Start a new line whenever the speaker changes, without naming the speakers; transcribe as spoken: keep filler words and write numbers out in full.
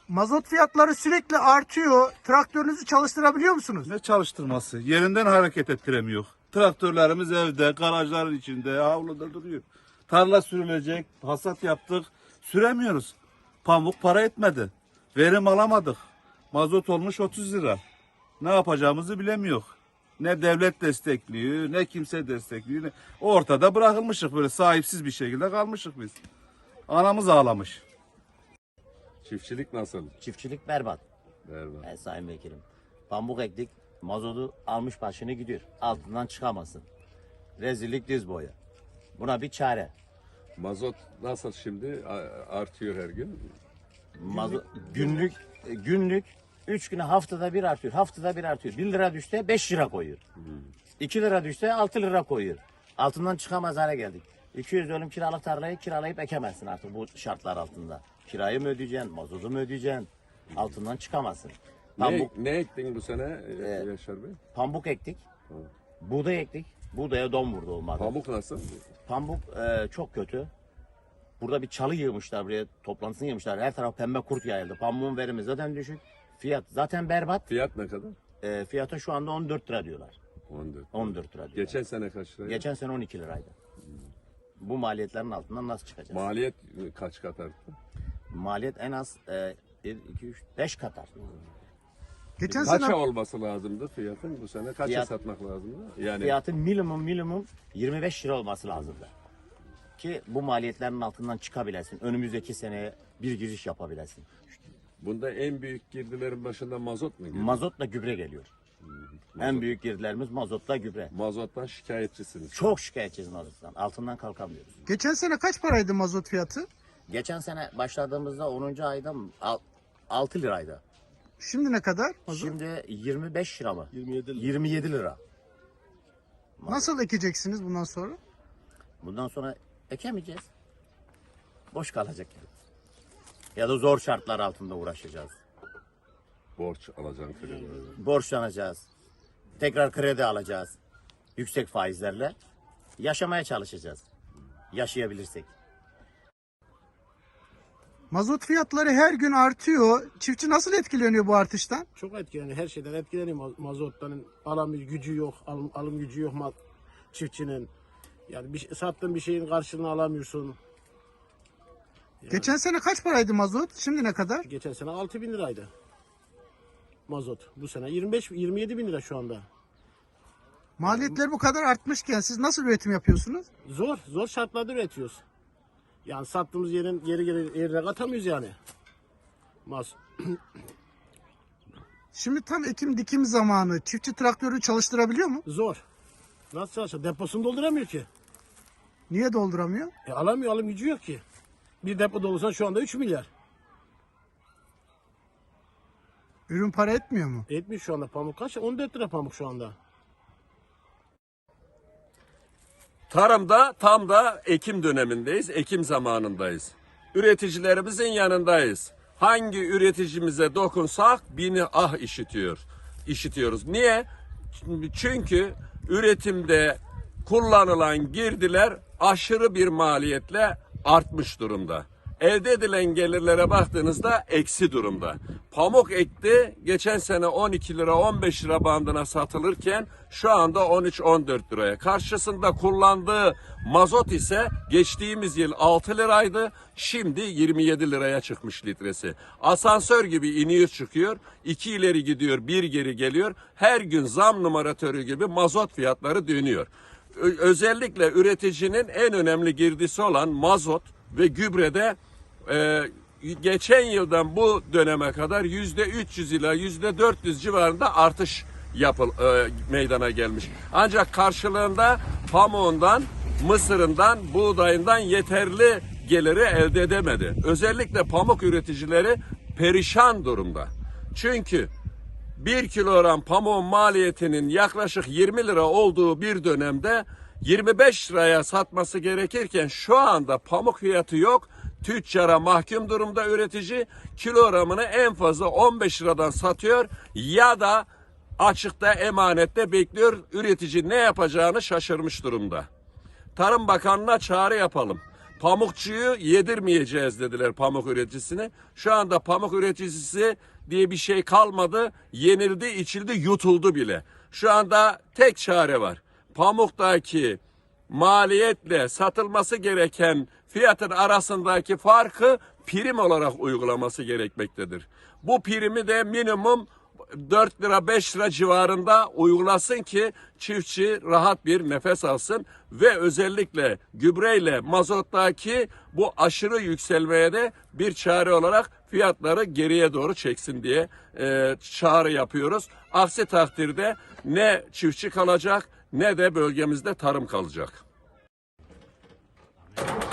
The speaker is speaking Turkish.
Mazot fiyatları sürekli artıyor. Traktörünüzü çalıştırabiliyor musunuz?
Ne çalıştırması? Yerinden hareket ettiremiyor. Traktörlerimiz evde, garajların içinde, havluda duruyor. Tarla sürülecek, hasat yaptık, süremiyoruz. Pamuk para etmedi. Verim alamadık. Mazot olmuş otuz lira. Ne yapacağımızı bilemiyor. Ne devlet destekliyor, ne kimse destekliyor. Ne... Ortada bırakılmışık, böyle sahipsiz bir şekilde kalmışık biz. Anamız ağlamış.
Çiftçilik nasıl?
Çiftçilik berbat.
Berbat.
Ben sayın vekilim. Pamuk ektik, mazotu almış başını gidiyor. Altından çıkamasın. Rezillik diz boyu. Buna bir çare.
Mazot nasıl şimdi? A- Artıyor her gün.
Mazot, günlük, günlük üç güne haftada bir artıyor. Haftada bir artıyor. bir lira düşse beş lira koyuyor. iki lira düşse altı lira koyuyor. Altından çıkamaz hale geldik. iki yüz dönüm kiralık tarlayı kiralayıp ekemezsin artık bu şartlar altında. Kirayı mı ödeyeceksin, mazotu mu ödeyeceksin? Altından çıkamazsın. Pamuk,
Ne, ne ektin bu sene
Ee,
Yaşar Bey?
pamuk ektik, buğday ektik. Buğdaya don vurdu olmadı.
Pamuk nasıl?
Pamuk e, çok kötü. Burada bir çalı yığmışlar buraya, toplantısını yığmışlar. Her taraf pembe kurt yayıldı. Pamuğun verimi zaten düşük. Fiyat zaten berbat.
Fiyat ne kadar?
E, fiyatı şu anda on dört lira diyorlar.
on dört.
on dört lira diyorlar.
Geçen sene kaç lira?
Geçen sene on iki liraydı. Bu maliyetlerin altından nasıl çıkacağız?
Maliyet kaç kat arttı?
Maliyet en az e, bir, iki, üç, beş kat arttı.
Geçen
Kaça
sene
olması lazımdı fiyatın bu sene? Kaça
Fiyat-
satmak lazımdı? Yani
Fiyatın minimum minimum yirmi beş lira olması lazımdı. Ki bu maliyetlerin altından çıkabilesin. Önümüzdeki seneye bir giriş yapabilesin.
bunda en büyük girdilerin başında mazot mu geliyor?
Mazotla gübre geliyor. En büyük girdilerimiz mazotla gübre.
Mazottan şikayetçisiniz.
Çok şikayetçiyiz mazottan. Altından kalkamıyoruz.
geçen sene kaç paraydı mazot fiyatı?
Geçen sene başladığımızda onuncu ayda altı liraydı.
Şimdi ne kadar mazot?
Şimdi yirmi beş lira mı?
yirmi yedi lira.
yirmi yedi lira.
Nasıl ekeceksiniz bundan sonra?
Bundan sonra ekemeyeceğiz. Boş kalacak yani. Ya da zor şartlar altında uğraşacağız.
Borç alacaksın kredi.
Borçlanacağız. Tekrar kredi alacağız. Yüksek faizlerle. Yaşamaya çalışacağız. Yaşayabilirsek.
Mazot fiyatları her gün artıyor. Çiftçi nasıl etkileniyor bu artıştan?
Çok etkileniyor. Her şeyden etkileniyor. Ma- Mazottan alım gücü yok. Alım, alım gücü yok ma- çiftçinin. Yani bir, şey- sattığın bir şeyin karşılığını alamıyorsun.
Geçen sene kaç paraydı mazot? Şimdi ne kadar?
Geçen sene altı bin liraydı. Mazot. Bu sene yirmi beş yirmi yedi bin lira şu anda.
Maliyetler bu kadar artmışken siz nasıl üretim yapıyorsunuz?
Zor. Zor şartlarda üretiyoruz. Yani sattığımız yerin geri geri yerine katamıyoruz yani. Maz.
Şimdi tam ekim dikim zamanı. Çiftçi traktörü çalıştırabiliyor mu?
Zor. Nasıl çalışacak? Deposunu dolduramıyor ki.
Niye dolduramıyor?
E alamıyor. Alım gücü yok ki. Bir depo dolusan şu anda üç milyar.
Ürün para etmiyor mu?
Etmiş şu anda pamuk kaç? on dört lira pamuk şu anda.
Tarımda tam da ekim dönemindeyiz, ekim zamanındayız. Üreticilerimizin yanındayız. Hangi üreticimize dokunsak bini ah işitiyor, işitiyoruz. Niye? Çünkü üretimde kullanılan girdiler aşırı bir maliyetle artmış durumda. Elde edilen gelirlere baktığınızda eksi durumda. Pamuk ekti geçen sene on iki lira on beş lira bandına satılırken şu anda on üç on dört liraya. Karşısında kullandığı mazot ise geçtiğimiz yıl altı liraydı. Şimdi yirmi yedi liraya çıkmış litresi. Asansör gibi iniyor çıkıyor. iki ileri gidiyor, bir geri geliyor. Her gün zam numaratörü gibi mazot fiyatları dönüyor. Ö- özellikle üreticinin en önemli girdisi olan mazot ve gübrede e, geçen yıldan bu döneme kadar yüzde üç yüz ila yüzde dört yüz civarında artış yapıl e, meydana gelmiş. Ancak karşılığında pamuğundan, mısırından, buğdayından yeterli geliri elde edemedi. Özellikle pamuk üreticileri perişan durumda. Çünkü bir kilogram pamuğun maliyetinin yaklaşık yirmi lira olduğu bir dönemde yirmi beş liraya satması gerekirken şu anda pamuk fiyatı yok. Tüccara mahkum durumda üretici, kilogramını en fazla on beş liradan satıyor ya da açıkta emanette bekliyor. Üretici ne yapacağını şaşırmış durumda. Tarım Bakanlığı'na çağrı yapalım. Pamukçuyu yedirmeyeceğiz dediler pamuk üreticisine. Şu anda pamuk üreticisi diye bir şey kalmadı. Yenildi, içildi, yutuldu bile. Şu anda tek çare var. Pamuktaki maliyetle satılması gereken fiyatın arasındaki farkı prim olarak uygulaması gerekmektedir. Bu primi de minimum dört lira beş lira civarında uygulasın ki çiftçi rahat bir nefes alsın ve özellikle gübreyle mazottaki bu aşırı yükselmeye de bir çare olarak fiyatları geriye doğru çeksin diye e, çağrı yapıyoruz. Aksi takdirde ne çiftçi kalacak ne de bölgemizde tarım kalacak.